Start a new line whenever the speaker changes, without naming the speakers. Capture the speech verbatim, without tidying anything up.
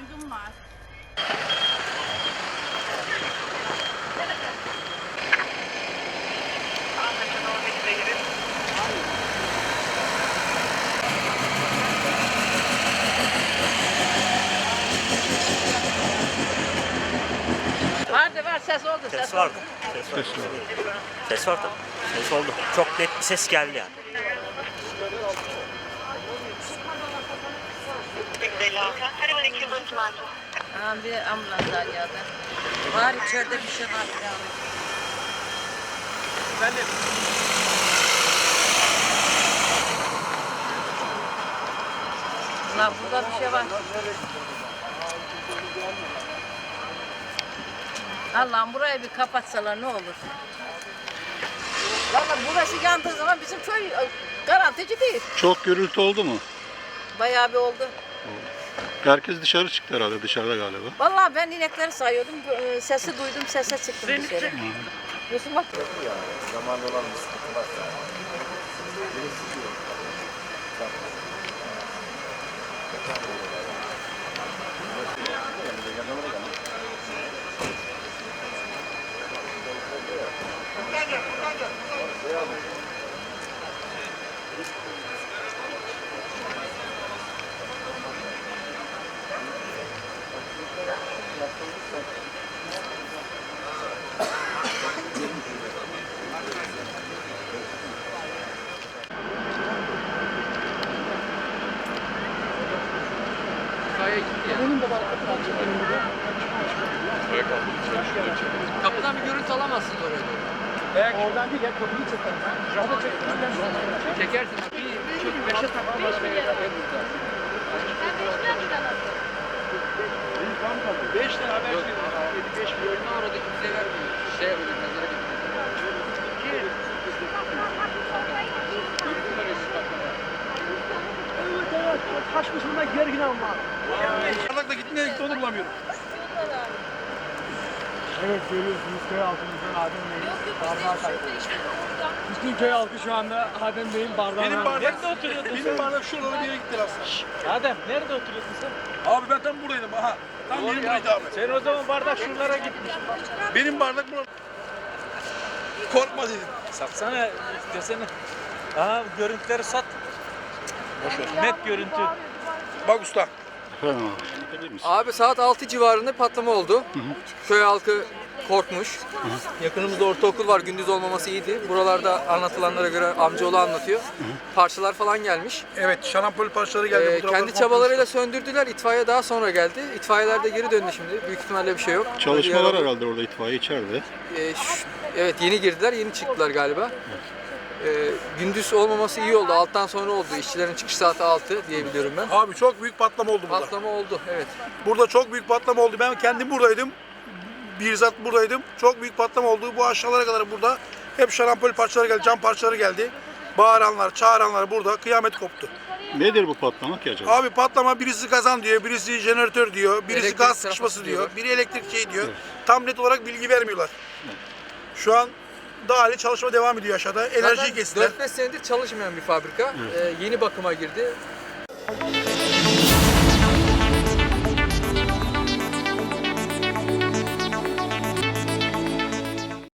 Yangın var.
Vardı var ses oldu.
Ses,
Ses,
vardı.
oldu.
Ses var. Ses var tabii. Ses oldu. Çok net bir ses geldi yani.
Ha, bir ambulans daha geldi. Var içeride bir şey var. Ya.
Efendim?
Lan burada bir şey var. Allah'ım burayı bir kapatsalar ne olur. Valla burası yandığı zaman bizim köy e, garantici değil.
Çok gürültü oldu mu?
Bayağı bir oldu.
Herkes dışarı çıktı herhalde, dışarıda galiba.
Vallahi ben inekleri sayıyordum. e, Sesi duydum, sese çıktım dışarı. Yusuf bak.
Zamanında olan bir sıkıntı varsa.
Kapıdan bir görüntü alamazsınız oraya doğru.
Evet. Oradan değil ya kapıyı çekelim. Java çekelim.
Çekersin. Bir çok beşe takılır.
Beş tane haber
Yok.
çıkıyor. Beş bir
Oyunu oradaki bize vermiyor. Şey yapacak. Mezara götürecek.
Evet evet. Taş kısmında gergin ama. Parlakla gitti nereye gitti onu bulamıyorum. Evet görüyorsunuz köy halkımızdan Adem Bey'in bardağı kaybolmuş. Bütün köy halkı şu anda Adem Bey'in bardağına... Benim bardak, nerede oturuyordun Benim bardak şuralara bir yere gitti aslında.
Adem nerede oturuyorsun sen?
Abi ben tam buradaydım aha. Tam benim buraydı abi.
Sen o zaman bardak şuralara gitmiş.
Benim bardak burada. Korkma dedim.
Satsana desene. Aha görüntüleri sat. Boş net görüntü.
Bak usta.
Efendim abi.
Abi saat altı civarında patlama oldu. Köy halkı korkmuş. Yakınımızda ortaokul var, gündüz olmaması iyiydi. Buralarda anlatılanlara göre amcaoğlu anlatıyor. Parçalar falan gelmiş.
Evet şarampol parçaları geldi.
Ee,
Bu taraftan
kendi çabalarıyla söndürdüler. İtfaiye daha sonra geldi. İtfaiyeler de geri döndü şimdi. Büyük ihtimalle bir şey yok.
Çalışmalar
Diğer-
herhalde orada, itfaiye içeride.
Ee, şu- evet yeni girdiler, yeni çıktılar galiba. Ee, gündüz olmaması iyi oldu. Alttan sonra oldu. İşçilerin çıkış saati altı diye biliyorum ben.
Abi çok büyük patlama oldu burada.
Patlama oldu, evet.
Burada çok büyük patlama oldu. Ben kendim buradaydım. Bizzat buradaydım. Çok büyük patlama oldu. Bu aşağılara kadar burada hep şarampol parçaları geldi, cam parçaları geldi. Bağıranlar, çağıranlar burada. Kıyamet koptu.
Nedir bu patlama ki acaba?
Abi patlama birisi kazan diyor, birisi jeneratör diyor, birisi
Elektrik
gaz
trafası
sıkışması diyor,
diyorlar.
biri elektrik şey diyor. Tam net olarak bilgi vermiyorlar. Şu an daha hali çalışma devam ediyor aşağıda. Enerjiyi
Zaten
kestiler.
dört beş senedir çalışmayan bir fabrika. Ee, yeni bakıma girdi.